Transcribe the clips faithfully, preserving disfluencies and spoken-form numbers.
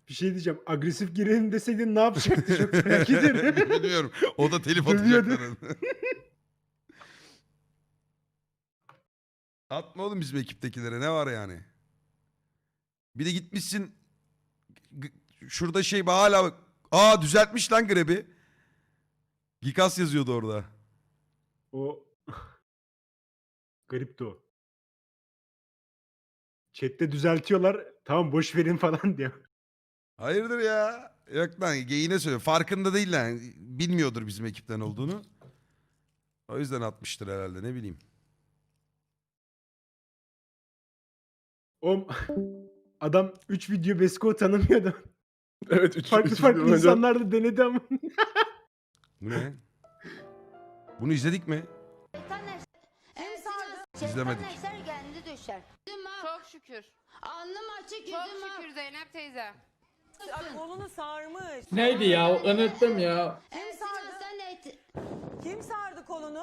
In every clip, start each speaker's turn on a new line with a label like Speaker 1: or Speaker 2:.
Speaker 1: Bir şey diyeceğim. Agresif girelim deseydin ne yapacaktı? Çok merak ediyorum.
Speaker 2: Bilmiyorum. O da telif
Speaker 1: Dövüyordu.
Speaker 2: atacaklar. Atma oğlum bizim ekiptekilere. Ne var yani? Bir de gitmişsin. g- Şurada şey hala bak. Aa düzeltmiş lan grebi. Gikas yazıyordu orada.
Speaker 1: O garipti o. Chat'te düzeltiyorlar. Tamam boş verin falan diyor.
Speaker 2: Hayırdır ya? Yok lan geyine söylüyor. Farkında değil lan. Bilmiyordur bizim ekipten olduğunu. O yüzden atmıştır herhalde ne bileyim.
Speaker 1: O adam üç video Besko tanımıyordu.
Speaker 3: Evet. Üç,
Speaker 1: Farklı
Speaker 3: üç
Speaker 1: farklı
Speaker 3: video önce-
Speaker 1: insanlar da denedi ama.
Speaker 2: Bu ne? Bunu izledik mi? İzlemedik.
Speaker 4: Eser kendi düşer.
Speaker 5: Çok şükür.
Speaker 4: Alnım açık
Speaker 5: Çok
Speaker 4: yüzüm ak.
Speaker 5: şükür Zeynep teyze.
Speaker 6: Ay, kolunu sarmış.
Speaker 7: Neydi ya? Unuttum ya.
Speaker 4: Ersin Hasan eğitim.
Speaker 6: Kim sardı kolunu?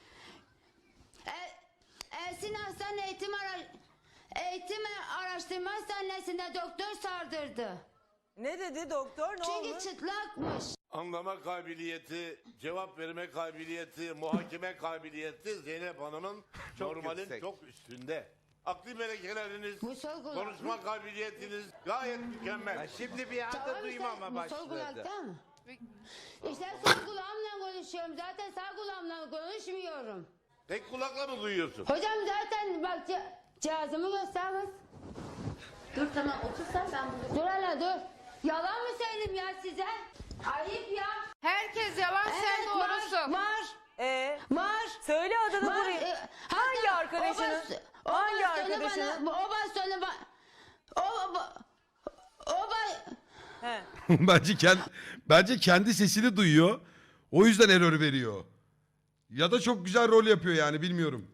Speaker 4: Ersin Hasan eğitim ara eğitim araştırma hastanesinde doktor sardırdı.
Speaker 6: Ne dedi doktor? Ne
Speaker 4: Çünkü
Speaker 6: olmuş?
Speaker 4: çıtlakmış.
Speaker 8: Anlama kabiliyeti, cevap verme kabiliyeti, muhakeme kabiliyeti Zeynep Hanım'ın normalin çok üstünde. Akli melekeleriniz,
Speaker 4: Bu sol kulak.
Speaker 8: konuşma kabiliyetiniz gayet mükemmel.
Speaker 9: Şimdi bir anda
Speaker 4: Tamam
Speaker 9: duymama
Speaker 4: işte, bu sol
Speaker 9: başladı.
Speaker 4: kulakta mı? İşte sol kulağımla konuşuyorum. Zaten sağ kulağımla konuşmuyorum.
Speaker 8: Tek kulakla mı duyuyorsun?
Speaker 4: Hocam zaten bak ce- cihazımı göster kız. Dur tamam otursan ben bunu. Dur hele dur. Yalan mı söyleyeyim ya size? Ayıp ya.
Speaker 5: Herkes yalan sen
Speaker 4: Evet,
Speaker 5: doğrusun.
Speaker 4: Var. Var.
Speaker 6: Ee,
Speaker 4: Var.
Speaker 6: söyle adını
Speaker 4: Var.
Speaker 6: buraya.
Speaker 4: E,
Speaker 6: Hangi
Speaker 4: hatta
Speaker 6: arkadaşının?
Speaker 4: o bas- o
Speaker 6: Hangi
Speaker 4: bastonu
Speaker 6: arkadaşının?
Speaker 4: Bana, o bastonu bana. O, o, o ba-
Speaker 6: He.
Speaker 2: bence kendi bence kendi sesini duyuyor. O yüzden error veriyor. Ya da çok güzel rol yapıyor yani bilmiyorum.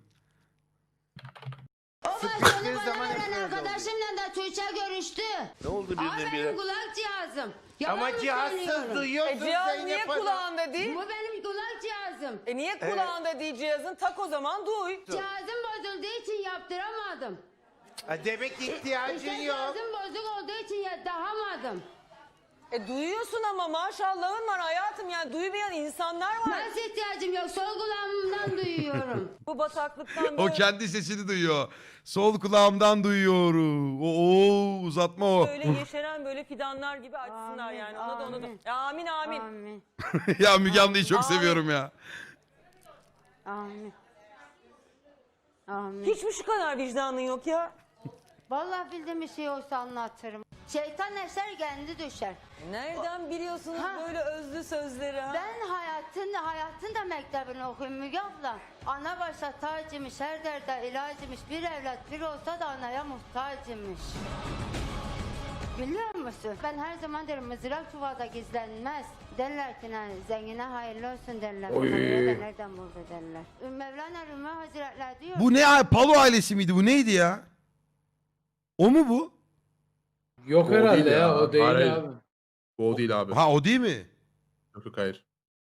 Speaker 4: o bastonu
Speaker 9: Sıkıştığı
Speaker 4: bana
Speaker 9: zaman hep
Speaker 4: veren
Speaker 9: böyle oluyor.
Speaker 4: arkadaşımla da Tuğçe görüştü.
Speaker 8: Ne oldu
Speaker 4: Ama
Speaker 8: birdenbire?
Speaker 4: benim kulak cihazım. Yalan
Speaker 9: Ama
Speaker 4: mı
Speaker 9: cihazsız
Speaker 4: söylüyorum?
Speaker 9: duyuyorsun
Speaker 6: E, cihaz niye
Speaker 9: Zeynep Hanım.
Speaker 6: kulağında değil?
Speaker 4: Bu benim kulak cihazım.
Speaker 6: E niye kulağında değil cihazın? Tak o zaman duy.
Speaker 4: Cihazım bozulduğu için yaptıramadım.
Speaker 9: Ha, demek ki ihtiyacın
Speaker 4: İşte
Speaker 9: yok.
Speaker 4: cihazım bozuk olduğu için yaptıramadım.
Speaker 6: E duyuyorsun ama maşallahın var hayatım, yani duymayan insanlar var.
Speaker 4: Nasıl ihtiyacım yok? Sol kulağımdan duyuyorum.
Speaker 6: Bu bataklıktan
Speaker 2: O
Speaker 6: böyle,
Speaker 2: kendi sesini duyuyor. Sol kulağımdan duyuyorum. O, o uzatma o.
Speaker 6: böyle yeşeren böyle fidanlar gibi açsınlar
Speaker 4: Amin,
Speaker 6: yani. Ona da ona da.
Speaker 4: amin.
Speaker 6: Amin amin.
Speaker 4: Amin.
Speaker 2: Ya Müge Anlı'yı çok
Speaker 6: Amin.
Speaker 2: seviyorum ya.
Speaker 4: Amin. Amin.
Speaker 6: Hiç mi şu kadar vicdanın yok ya?
Speaker 4: Vallahi bildiğim bir şey olsa anlatırım. Şeytan eser kendi düşer.
Speaker 6: Nereden biliyorsunuz
Speaker 4: Ha.
Speaker 6: böyle özlü sözleri ha?
Speaker 4: Ben hayatın hayatın da mektebini okuyayım Müge abla. Ana başta tacımış, her derde ilacımış. Bir evlat bir olsa da anaya muhtacımış. Biliyor musun? Ben her zaman derim mızrak çuvalda gizlenmez. Derler ki yani, zengine hayırlı olsun derler.
Speaker 7: Oy.
Speaker 4: Fakire de nereden buldu derler. Mevlana Rumi Hazretleri diyor.
Speaker 2: Bu ne abi? Palo ailesi miydi? Bu neydi ya? O mu bu?
Speaker 7: Yok
Speaker 3: O
Speaker 7: herhalde
Speaker 3: değil
Speaker 7: ya.
Speaker 3: ya.
Speaker 7: O değil
Speaker 3: Hayır.
Speaker 7: abi.
Speaker 3: Bu o değil abi.
Speaker 2: Ha o değil mi?
Speaker 3: Yok yok hayır.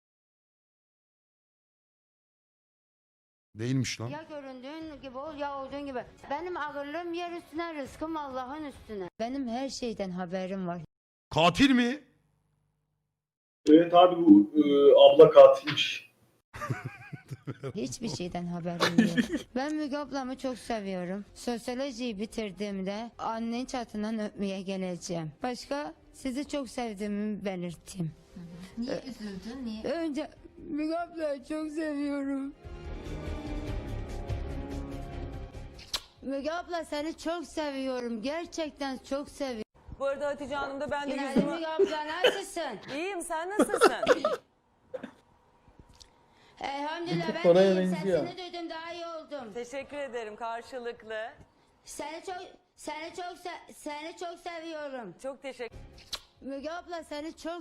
Speaker 2: Değilmiş lan.
Speaker 4: Ya göründüğün gibi ol ya olduğun gibi. Benim ağırlığım yer üstüne, rızkım Allah'ın üstüne. Benim her şeyden haberim var.
Speaker 2: Katil mi?
Speaker 10: Evet abi bu e, abla katilmiş.
Speaker 4: Hiçbir şeyden haberim yok. Ben Müge ablamı çok seviyorum. Sosyolojiyi bitirdiğimde annenin çatından öpmeye geleceğim. Başka sizi çok sevdiğimi belirteyim.
Speaker 11: Niye üzüldün? Niye?
Speaker 4: Önce Müge ablayı çok seviyorum. Müge abla seni çok seviyorum. Gerçekten çok seviyorum.
Speaker 6: Bu arada Hatice Hanım da ben de
Speaker 4: Günaydın
Speaker 6: yüzümü...
Speaker 4: Müge abla, nasılsın?
Speaker 6: İyiyim, sen nasılsın?
Speaker 4: Elhamdülillah ben
Speaker 7: Oraya
Speaker 4: de iyiyim.
Speaker 7: benziyor.
Speaker 4: Sesini duydum, daha iyi oldum.
Speaker 6: Teşekkür ederim karşılıklı.
Speaker 4: Seni çok seni çok se- seni çok seviyorum.
Speaker 6: Çok teşekkür
Speaker 4: Müge abla seni çok